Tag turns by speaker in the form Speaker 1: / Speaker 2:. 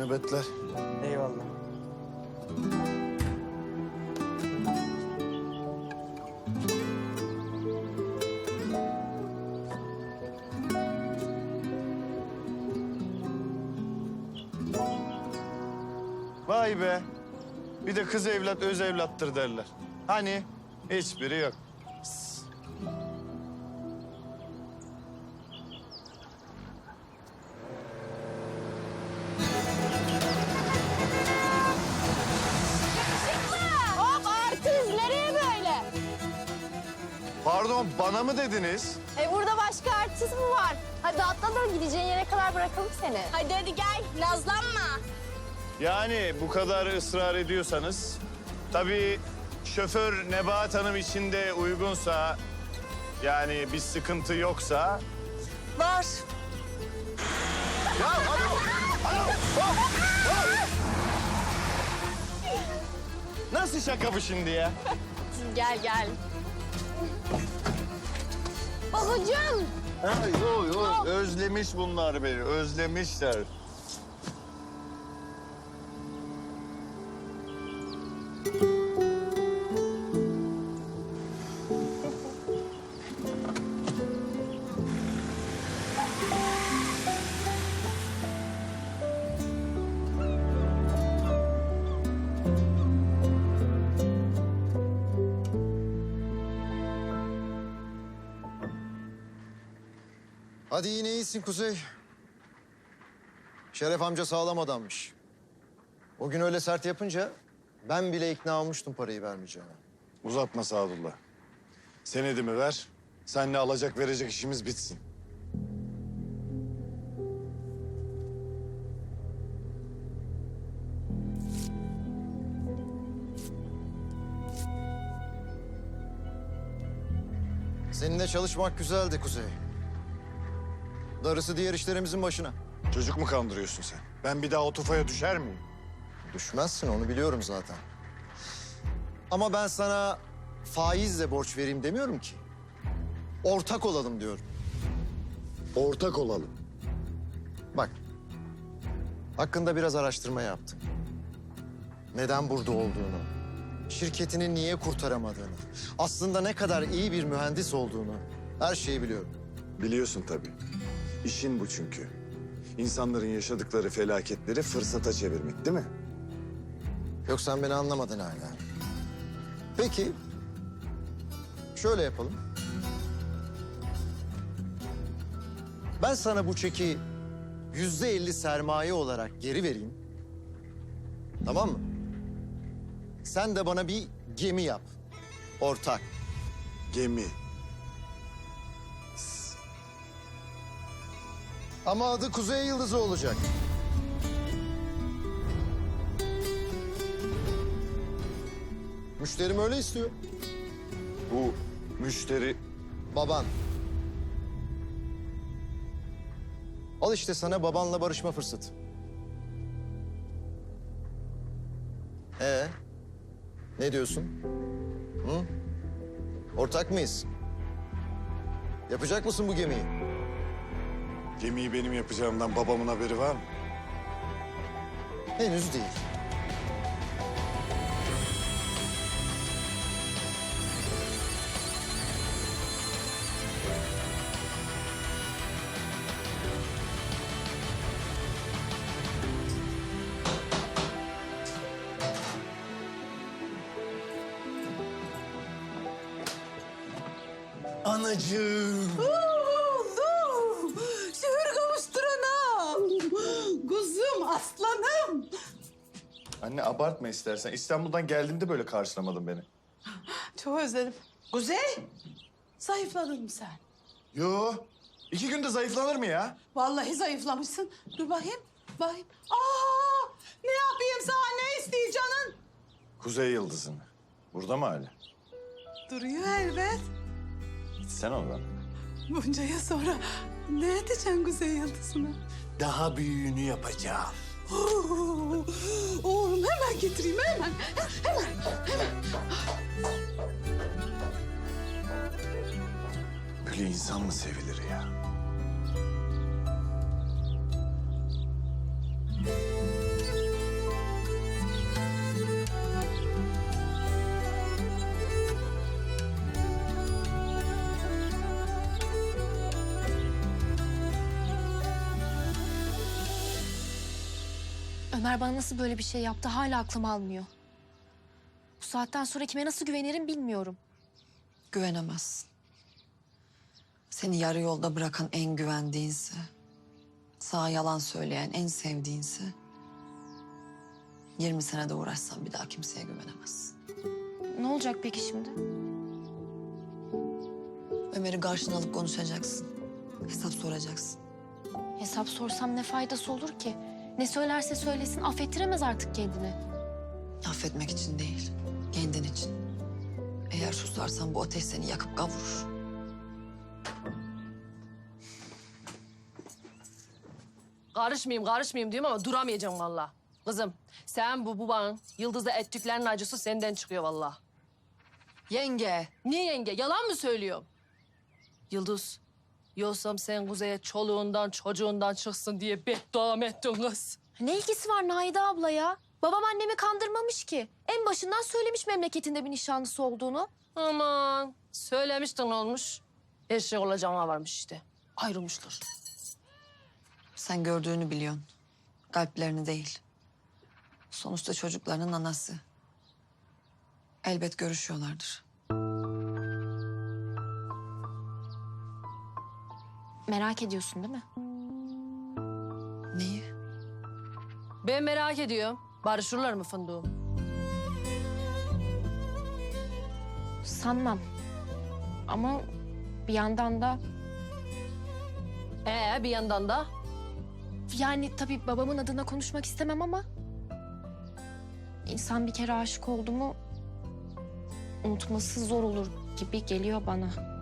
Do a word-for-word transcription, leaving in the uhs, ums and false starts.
Speaker 1: nöbetler.
Speaker 2: Eyvallah.
Speaker 1: Vay be. Bir de kız evlat öz evlattır derler. Hani hiçbiri yok. Pıs.
Speaker 3: Hop artist nereye böyle?
Speaker 1: Pardon, bana mı dediniz?
Speaker 3: E burada başka artist mi var? Hadi atla da gideceğin yere kadar bırakalım seni. Hadi hadi gel nazlanma.
Speaker 1: Yani bu kadar ısrar ediyorsanız... Tabii şoför Nebahat Hanım için de uygunsa... Yani bir sıkıntı yoksa...
Speaker 3: Var.
Speaker 1: Ya alo! Alo! Hop! Hop! Nasıl şaka bu şimdi ya?
Speaker 3: Gel gel. Babacığım.
Speaker 1: Ha, yo, yo. Özlemiş bunlar beni, özlemişler.
Speaker 4: Hadi yine iyisin Kuzey. Şeref amca sağlam adammış. O gün öyle sert yapınca ben bile ikna olmuştum parayı vermeyeceğine.
Speaker 1: Uzatma Sadullah. Senedimi ver, seninle alacak verecek işimiz bitsin.
Speaker 4: Seninle çalışmak güzeldi Kuzey. Darısı diğer işlerimizin başına.
Speaker 1: Çocuk mu kandırıyorsun sen? Ben bir daha o tufaya düşer miyim?
Speaker 4: Düşmezsin, onu biliyorum zaten. Ama ben sana faizle borç vereyim demiyorum ki. Ortak olalım diyorum.
Speaker 1: Ortak olalım.
Speaker 4: Bak, hakkında biraz araştırma yaptım. Neden burada olduğunu, şirketini niye kurtaramadığını, aslında ne kadar iyi bir mühendis olduğunu, her şeyi biliyorum.
Speaker 1: Biliyorsun tabii. İşin bu çünkü. İnsanların yaşadıkları felaketleri fırsata çevirmek, değil mi?
Speaker 4: Yok, sen beni anlamadın hala. Peki, şöyle yapalım. Ben sana bu çeki yüzde elli sermaye olarak geri vereyim. Tamam mı? Sen de bana bir gemi yap. Ortak.
Speaker 1: Gemi.
Speaker 4: Ama adı Kuzey Yıldızı olacak. Müşterim öyle istiyor.
Speaker 1: Bu müşteri...
Speaker 4: Baban. Al işte sana babanla barışma fırsatı. Ee, ne diyorsun? Hı? Ortak mıyız? Yapacak mısın bu gemiyi?
Speaker 1: Gemiyi benim yapacağımdan babamın haberi var mı?
Speaker 4: Henüz değil.
Speaker 1: Anacığım.
Speaker 5: Oğlum, şehir kavuşturanam. Kuzum, aslanım.
Speaker 1: Anne abartma istersen. İstanbul'dan geldiğimde böyle karşılamadın beni.
Speaker 5: Çok özledim. Kuzey, zayıfladın mı sen?
Speaker 1: Yo. İki günde zayıflanır mı ya?
Speaker 5: Vallahi zayıflamışsın. Dur bakayım, bakayım. Aa, ne yapayım sana, ne istiyor canın?
Speaker 1: Kuzey Yıldızı'nı. Burada mı hala?
Speaker 5: Duruyor elbet.
Speaker 1: Gitsen oradan.
Speaker 5: Bunca yıl sonra ne edeceksin Kuzey Yıldızı'na?
Speaker 1: Daha büyüğünü yapacağım.
Speaker 5: Oo, oğlum hemen getireyim, hemen. Hemen, hemen.
Speaker 1: Böyle insan mı sevilir ya?
Speaker 2: Ömer bana nasıl böyle bir şey yaptı hala aklım almıyor. Bu saatten sonra kime nasıl güvenirim bilmiyorum.
Speaker 6: Güvenemezsin. Seni yarı yolda bırakan en güvendiğinse, sana yalan söyleyen en sevdiğinse, yirmi senede uğraşsan bir daha kimseye güvenemezsin.
Speaker 2: Ne olacak peki şimdi?
Speaker 6: Ömer'i karşına alıp konuşacaksın. Hesap soracaksın.
Speaker 2: Hesap sorsam ne faydası olur ki? Ne söylerse söylesin affettiremez artık kendini.
Speaker 6: Affetmek için değil, kendin için. Eğer susarsan bu ateş seni yakıp kavurur.
Speaker 7: Karışmayayım, karışmayayım diyorum ama duramayacağım vallahi. Kızım, sen bu babanın Yıldız'la ettiklerinin acısı senden çıkıyor vallahi.
Speaker 6: Yenge,
Speaker 7: Niye yenge? Yalan mı söylüyorum? Yıldız, yoksam sen Kuzey'e çoluğundan çocuğundan çıksın diye beddua mı ettin kız?
Speaker 2: Ne ilgisi var Naide abla ya? Babam annemi kandırmamış ki. En başından söylemiş memleketinde bir nişanlısı olduğunu.
Speaker 7: Aman, söylemiştin olmuş. Eşek olacağına varmış işte. Ayrılmışlar.
Speaker 6: sen gördüğünü biliyorsun. Kalplerini değil. Sonuçta çocuklarının anası. Elbet görüşüyorlardır.
Speaker 2: Merak ediyorsun değil mi?
Speaker 6: Neyi?
Speaker 7: Ben merak ediyorum. Barışırlar mı fındığım?
Speaker 2: Sanmam. Ama bir yandan da
Speaker 7: Ee, bir yandan da
Speaker 2: yani tabii babamın adına konuşmak istemem ama insan bir kere aşık oldu mu unutması zor olur gibi geliyor bana.